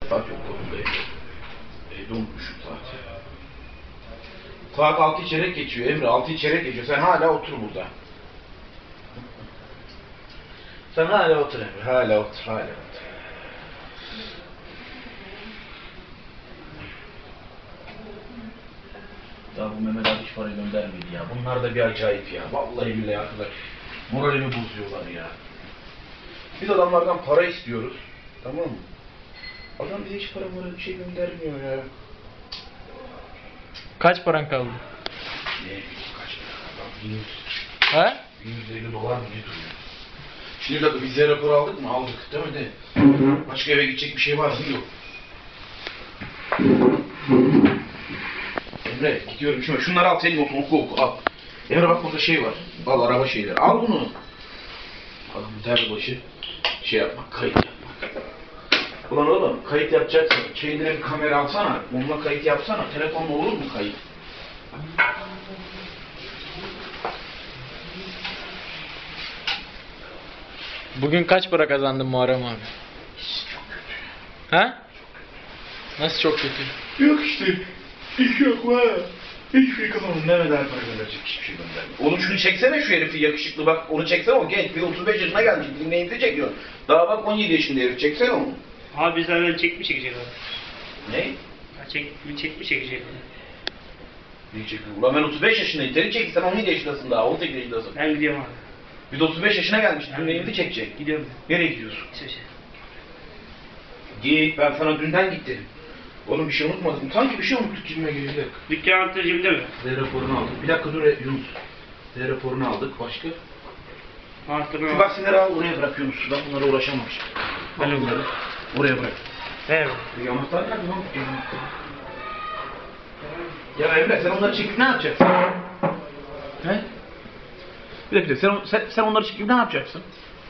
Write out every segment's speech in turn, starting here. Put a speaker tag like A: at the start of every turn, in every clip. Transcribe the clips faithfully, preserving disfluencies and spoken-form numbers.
A: Saat yok kolumda. Evde unutmuşum saati. Saat altı çeyrek geçiyor Emre. Altı çeyrek geçiyor. Sen hala otur burada. Sen hala otur Emre. Hala otur. Hala otur. Ya bu Mehmet abi hiç para göndermedi ya. Bunlar da bir acayip ya. Vallahi billahi arkadaş. Moralimi bozuyorlar ya. Biz adamlardan para istiyoruz. Tamam mı? Adam bize hiç para mara bir şey göndermiyor ya.
B: Kaç paran kaldı?
A: Ne? Kaç para? Adam bin yüz.
B: He?
A: bin yüz elli dolar mı ne duruyor? Şimdi de vize raporu aldık mı? Aldık değil mi de? Başka eve gidecek bir şey var mı? Yok. Emre gidiyorum şimdi. Şunları al senin olsun oku oku al. Emre bak burada şey var. Al araba şeyleri. Al bunu. Al bir başı şey yapmak, kayıt yapmak. Ulan oğlum kayıt yapacaksın. Kendine bir kamera alsana. Onunla kayıt yapsana. Telefonla olur mu kayıt?
B: Bugün kaç para kazandın Muharrem abi?
A: Çok kötü.
B: Ha? Nasıl çok kötü?
A: Yok işte. İş yok var. Hiçbir şey kazanmadım. Mehmet abi para gönderecek. Hiçbir şey göndermiyor. Oğlum şunu çeksene şu herifi yakışıklı bak. Onu çeksene o genç. Bir otuz beş yaşına gelmiş. Dinleyimizi çekiyor. Daha bak on yedi yaşında herif. Çeksene onu.
C: Abi zaten çekmiş çekecek abi.
A: Ne?
C: Ha, çek, bir çekmiş çekecek.
A: Ne çekiyor? Ulan ben otuz beş yaşındayım. Seni çek sen on yedi yaşındasın daha. on sekiz yaşındasın.
C: Ben gidiyorum abi.
A: Biz otuz beş yaşına gelmiş. Dinleyimizi çekecek.
C: Gidiyorum.
A: Nereye gidiyorsun?
C: İsveç'e.
A: Git. Ben sana dünden git dedim. Oğlum bir şey unutmadım. Sanki bir şey unuttuk gibime geliyor.
C: Dükkan anahtarı cebinde mi?
A: Z raporunu aldık. Bir dakika dur Yunus. Z raporunu aldık. Başka?
C: Anahtarını
A: Şu
C: al.
A: gazeteleri al oraya bırak Yunus. Ben bunlara uğraşamam şimdi. Al
C: Alo.
A: bunları. Oraya bırak.
C: Ver.
A: E, anahtar nerede lan? Ya Emre sen onları çekip ne yapacaksın? He? Bir dakika sen, sen, sen onları çekip ne yapacaksın?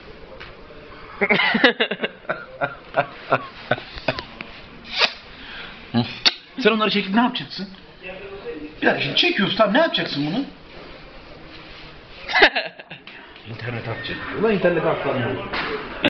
A: Sen onları çekip ne yapacaksın? Bir dakika şimdi çekiyoruz tamam ne yapacaksın bunu? İnternet atacak. Ulan internet atlanıyor.